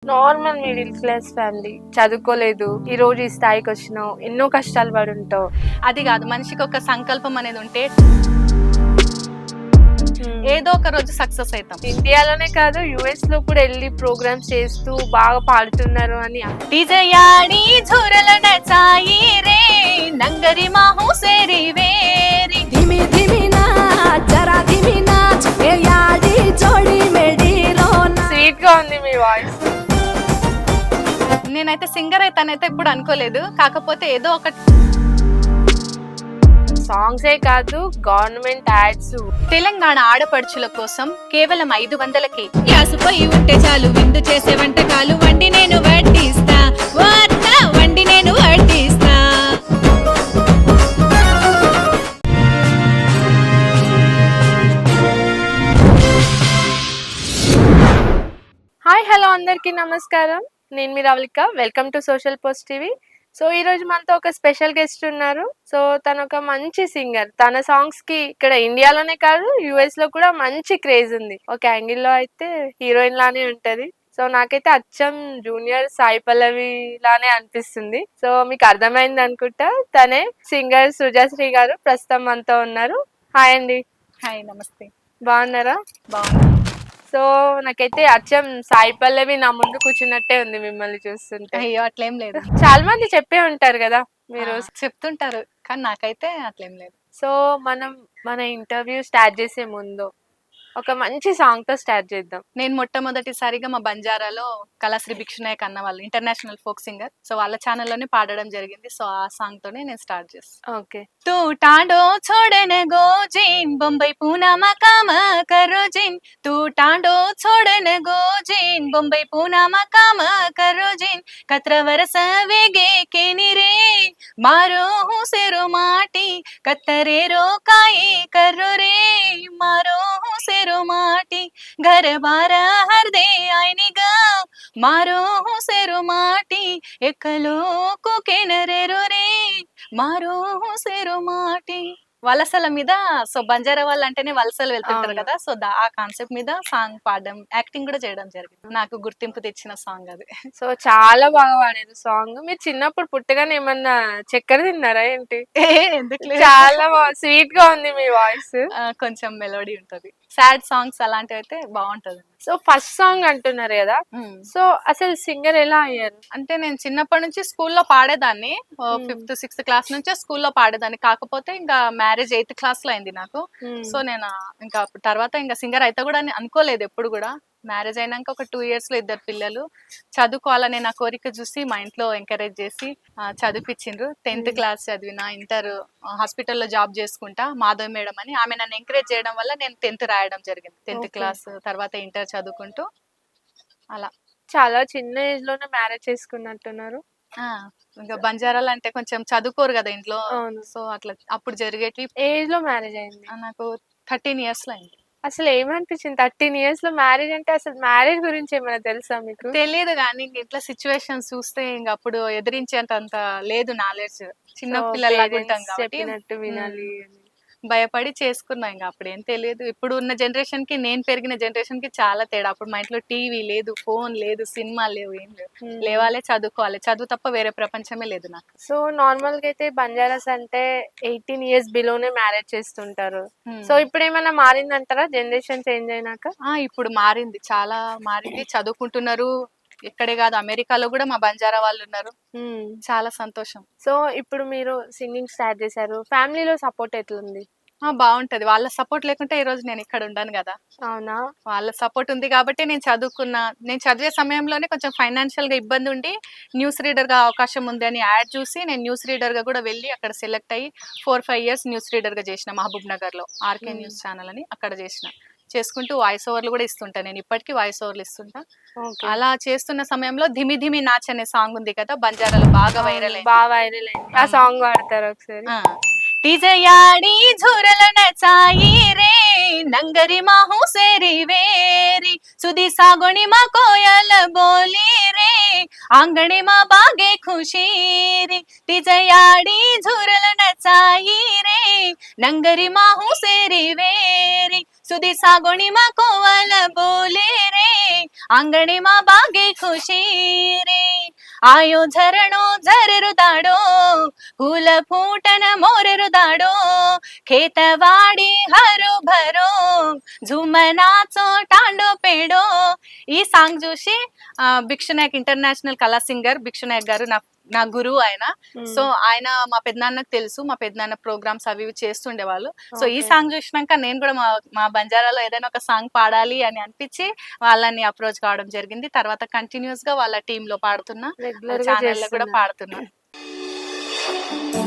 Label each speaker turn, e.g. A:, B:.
A: Normal middle class family, చదువుకోలేదు, ఈ రోజు ఈ స్థాయికి వచ్చినావు, ఎన్నో కష్టాలు పడి ఉంటావు.
B: అది కాదు, మనిషికి ఒక సంకల్పం అనేది ఉంటే ఏదో ఒక రోజు సక్సెస్ అవుతాం.
A: ఇండియాలోనే కాదు, యుఎస్ లో కూడా వెళ్ళి ప్రోగ్రామ్స్ చేస్తూ బాగా పాడుతున్నారు అని.
B: టిజయాడి ఝురల నచాయి రే నంగరి మాహు సేరి వేరి
C: धिमी धिमी नाच जरा धिमी नाच ये याडी जोड़ी मेडी रोना
A: స్వీట్ గా ఉంది మీ వాయిస్.
B: నేనైతే సింగర్ అయితానైతే ఇప్పుడు అనుకోలేదు. కాకపోతే ఏదో ఒక
A: సాంగ్సే కాదు, గవర్నమెంట్ యాడ్స్.
B: తెలంగాణ ఆడపడుచుల కోసం కేవలం 500కే
D: యాసపోయి ఉంటే చాలు విందు చేసే వంటకాలు వండి నేను వడ్డిస్తా వండి నేను వడ్డిస్తా.
A: హాయ్ హలో, అందరికీ నమస్కారం. నేను మీ Ravalika. Welcome to social post TV. So ఈ రోజు మనతో ఒక స్పెషల్ గెస్ట్ ఉన్నారు. సో తను ఒక మంచి సింగర్. తన సాంగ్స్ కి ఇక్కడ ఇండియాలోనే కాదు, యుఎస్ లో కూడా మంచి క్రేజ్ ఉంది. ఒక యాంగిల్ లో అయితే హీరోయిన్ లానే ఉంటది. సో నాకైతే అచ్చం జూనియర్ సాయి పల్లవి లానే అనిపిస్తుంది. సో మీకు అర్థమైంది అనుకుంటా. తనే సింగర్ సుజాశ్రీ గారు ప్రస్తుతం మనతో ఉన్నారు. హాయ్ అండి.
B: హాయ్, నమస్తే.
A: బాగున్నారా?
B: బాగున్నా.
A: సో నాకైతే అచ్చం సాయి పల్లవి నా ముందు కూర్చున్నట్టే ఉంది మిమ్మల్ని చూస్తుంటే.
B: అయ్యో, అట్లేం లేదు.
A: చాలా మంది చెప్పే ఉంటారు కదా మీరు.
B: చెప్తుంటారు, కానీ నాకైతే అట్లేం లేదు.
A: సో మన ఇంటర్వ్యూ స్టార్ట్ చేసే ముందు ఒక మంచి సాంగ్ తో స్టార్ట్ చేద్దాం.
B: నేను మొట్టమొదటిసారిగా మా బంజారాలో కళాశ్రీ భిక్షునాయక్ అన్న వాళ్ళు ఇంటర్నేషనల్ ఫోక్ సింగర్, సో వాళ్ళ ఛానల్లోనే పాడడం జరిగింది. సో ఆ సాంగ్ తోనే నేను స్టార్ట్ చేస్తాను.
A: ఓకే.
B: तू टांडो छोड़न गो जिन बम्बई पूना मकाम करो जिन तू टांडो छोड़न गो जिन बम्बई पूना मकाम करो जिन कत्र वरस वेगे के निरे मारो हूँ सेरो माटी कतरे रो काई करो रे मारो हूँ सेरो माटी घर बार हर दे आईनी गाँव मारो हूँ सेरो माटी एकलो को के नरे रो रे మారో సేరో మాటి. వలసల మీద, సో బంజారా వాళ్ళు అంటేనే వలసలు వెళ్తుంటారు కదా, సో ఆ కాన్సెప్ట్ మీద సాంగ్ పాడడం, యాక్టింగ్ కూడా చేయడం జరిగింది. నాకు గుర్తింపు తెచ్చిన సాంగ్ అది.
A: సో చాలా బాగా పాడారు సాంగ్. మీరు చిన్నప్పుడు పుట్టగానే ఏమన్నా చక్కెర తిన్నారా ఏంటి?
B: ఎందుకు
A: చాలా స్వీట్ గా ఉంది మీ వాయిస్.
B: కొంచెం మెలోడీ ఉంటది. సాడ్ సాంగ్స్ అలాంటివి అయితే బాగుంటది.
A: సో ఫస్ట్ సాంగ్ అంటున్నారు కదా, సో అసలు సింగర్ ఎలా అయ్యారు?
B: అంటే నేను చిన్నప్పటి నుంచి స్కూల్లో పాడేదాన్ని. 5th 6th క్లాస్ నుంచే స్కూల్లో పాడేదాన్ని. కాకపోతే ఇంకా మ్యారేజ్ 8th క్లాస్ లో అయింది నాకు. సో నేను ఇంకా తర్వాత ఇంకా సింగర్ అయితే కూడా అనుకోలేదు ఎప్పుడు కూడా. మ్యారేజ్ అయినాక ఒక 2 years లో 2 పిల్లలు. చదువుకోవాలనే నా కోరిక చూసి మా ఇంట్లో ఎంకరేజ్ చేసి చదివిపించిండ్రు. 10th క్లాస్ చదివిన, ఇంటర్ హాస్పిటల్లో జాబ్ చేసుకుంటా, మాధవ్ మేడం అని ఆమె నన్ను ఎంకరేజ్ చేయడం వల్ల నేను 10th రాయడం జరిగింది. 10th క్లాస్ తర్వాత ఇంటర్ చదువుకుంటూ అలా.
A: చాలా చిన్న ఏజ్ లోనే మ్యారేజ్ చేసుకున్నట్టున్నారు.
B: ఇంకా బంజారాలు అంటే కొంచెం చదువుకోరు కదా ఇంట్లో, సో అట్లా అప్పుడు జరిగేటి.
A: ఏజ్ లో మ్యారేజ్ అయింది?
B: నాకు 13 years లో అయింది.
A: అసలు ఏమనిపించింది 13 years లో మ్యారేజ్ అంటే? అసలు మ్యారేజ్ గురించి ఏమైనా తెలుసా మీకు?
B: తెలియదు, కానీ ఇంట్లో సిచ్యువేషన్స్ చూస్తే ఇంకా అప్పుడు ఎదిరించేంత లేదు నాలెడ్జ్. చిన్న పిల్లలు
A: చెప్పినట్టు వినాలి అని
B: భయపడి చేసుకున్నా. ఇంకా అప్పుడు ఏం తెలియదు. ఇప్పుడు ఉన్న జనరేషన్ కి, నేను పెరిగిన జనరేషన్ కి చాలా తేడా. అప్పుడు మా ఇంట్లో టీవీ లేదు, ఫోన్ లేదు, సినిమా లేవు, ఏం లేవు. లేవాలే, చదువుకోవాలి, చదువు తప్ప వేరే ప్రపంచమే లేదు నాకు.
A: సో నార్మల్ గా అయితే బంజారాస్ అంటే 18 years బిలోనే మ్యారేజ్ చేస్తుంటారు. సో ఇప్పుడు ఏమైనా మారిందంటారా జనరేషన్ చేంజ్ అయినాక?
B: ఇప్పుడు మారింది, చాలా మారింది. చదువుకుంటున్నారు. ఇక్కడే కాదు, అమెరికాలో కూడా మా బంజారా వాళ్ళు ఉన్నారు. చాలా సంతోషం.
A: సో ఇప్పుడు మీరు సింగింగ్ స్టార్ట్ చేశారు, ఫ్యామిలీలో సపోర్ట్ ఎట్లుంది?
B: బాగుంటది. వాళ్ళ సపోర్ట్ లేకుంటే ఈ రోజు నేను ఇక్కడ ఉండను కదా.
A: అవునా?
B: వాళ్ళ సపోర్ట్ ఉంది కాబట్టి నేను చదువుకున్నా. నేను చదివే సమయంలోనే కొంచెం ఫైనాన్షియల్ గా ఇబ్బంది ఉండి న్యూస్ రీడర్ గా అవకాశం ఉంది అని యాడ్ చూసి నేను న్యూస్ రీడర్ గా కూడా వెళ్ళి అక్కడ సెలెక్ట్ అయ్యి 4-5 years న్యూస్ రీడర్ గా చేసిన. మహబూబ్ నగర్ లో ఆర్కే న్యూస్ ఛానల్ అని అక్కడ చేసుకుంటూ వాయిస్ ఓవర్లు కూడా ఇస్తుంటా. నేను ఇప్పటికీ వాయిస్ ఓవర్లు ఇస్తుంటా. అలా చేస్తున్న సమయంలో ధిమి ధిమి నాచ్ అనే సాంగ్ ఉంది కదా, బంజారాలో బాగా వైరల్ అయింది.
A: ఆ సాంగ్ పాడతారు ఒకసారి?
B: టిజయాడి ఝురల నచాయి రే నంగరి మాహు సేరి వేరి సుది సాగుని మా కోయల బోలి రే ఆంగణి మా బాగే ఖుషీరి టిజయాడి ఝురల నచాయి రే నంగరి మాహు సేరి వేరి సుది సాగుని మా కోవల బోలి రే आंगणी मा बागे खुशी रे आयो झरणो झरेरु दाडो फूल फूटन मोरेरु दाडो खेतवाडी हरो भरो झुमनाचो टांडो पेडो ఈ సాంగ్ చూసి భిక్షునాయక్ ఇంటర్నేషనల్ కళా సింగర్ భిక్షునాయక్ గారు నా గురువు ఆయన. సో ఆయన మా పెద్దనాన్నకు తెలుసు, మా పెద్దనాన్న ప్రోగ్రామ్స్ అవి ఇవి చేస్తుండేవాళ్ళు. సో ఈ సాంగ్ చూసినాక నేను కూడా మా బంజారాలో ఏదైనా ఒక సాంగ్ పాడాలి అని అనిపించి వాళ్ళని అప్రోచ్ కావడం జరిగింది. తర్వాత కంటిన్యూస్ గా వాళ్ళ టీమ్ లో పాడుతున్నా,
A: రెగ్యులర్ గా
B: ఛానల్ లో కూడా
A: చేస్తున్నారు.
B: పాడుతున్నా.